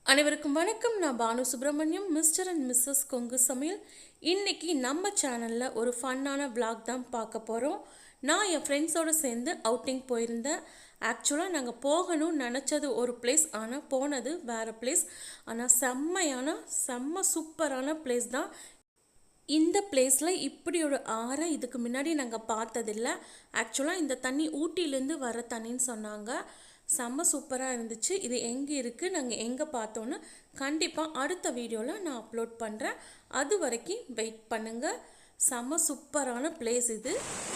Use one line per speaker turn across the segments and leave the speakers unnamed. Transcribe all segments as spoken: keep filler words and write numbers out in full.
அனைவருக்கும் வணக்கம். நான் Bhanu Subramaniam, mister and missus Kongu Samayal. இன்றைக்கி நம்ம சேனலில் ஒரு ஃபன்னான விளாக் தான் பார்க்க போகிறோம். நான் என் ஃப்ரெண்ட்ஸோடு சேர்ந்து அவுட்டிங் போயிருந்தேன். ஆக்சுவலாக நாங்கள் போகணும்னு நினச்சது ஒரு பிளேஸ், ஆனால் போனது வேறு பிளேஸ். ஆனால் செம்மையான செம்ம சூப்பரான பிளேஸ் தான். இந்த பிளேஸில் இப்படி ஒரு ஆறை இதுக்கு முன்னாடி நாங்கள் பார்த்ததில்லை. ஆக்சுவலாக இந்த தண்ணி ஊட்டியிலேருந்து வர தண்ணின்னு சொன்னாங்க. செம்ம சூப்பராக இருந்துச்சு. இது எங்கே இருக்குது, நாங்கள் எங்கே பார்த்தோன்னு கண்டிப்பாக அடுத்த வீடியோவில் நான் அப்லோட் பண்ணுறேன். அது வரைக்கும் வெயிட் பண்ணுங்கள். செம்ம சூப்பரான பிளேஸ் இது.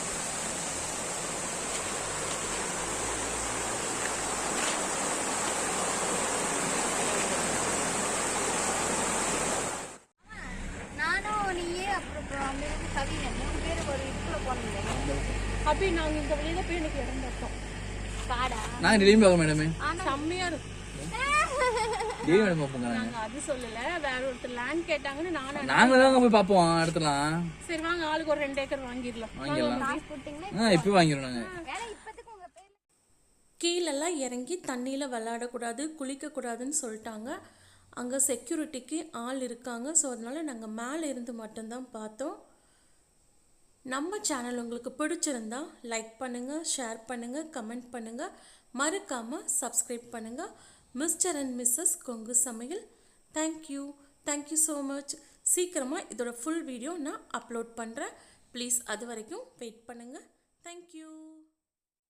அப்படி நாங்கள் இந்த வழியில் போய் எனக்கு இடம் பார்த்தோம்.
நாங்க டெய்லியும் பார்க்க மேடமே
செம்மையா இருக்கும்.
டெய்லி மேடம் பார்ப்போங்க.
நாங்க அது சொல்லல, வேற ஒருத்தர் லேண்ட் கேட்டாங்கன்னு நானும்
நாங்க தான் போய் பார்ப்போம் இடத்துலாம்.
சரி வாங்க, ஆளுக்கு ஒரு ரெண்டு ஏக்கர் வாங்கிடலாம்.
வாங்கிடலாம். இப்போ வாங்கிடுவோம் நாங்க.
கீழெல்லாம் இறங்கி தண்ணியில் விளையாடக்கூடாது, குளிக்கக்கூடாதுன்னு சொல்லிட்டாங்க. அங்கே செக்யூரிட்டிக்கு ஆள் இருக்காங்க. ஸோ அதனால நாங்கள் மேலே இருந்து மட்டும்தான் பார்த்தோம். நம்ம சேனல் உங்களுக்கு பிடிச்சிருந்தா லைக் பண்ணுங்கள், ஷேர் பண்ணுங்கள், கமெண்ட் பண்ணுங்கள், மறக்காமல் சப்ஸ்கிரைப் பண்ணுங்கள். Mister and missus Kongu Samayal. Thank you thank you so much. சீக்கிரமாக இதோட ஃபுல் வீடியோ நான் அப்லோட் பண்ணுறேன். ப்ளீஸ் அது வரைக்கும் வெயிட் பண்ணுங்கள். தேங்க்யூ.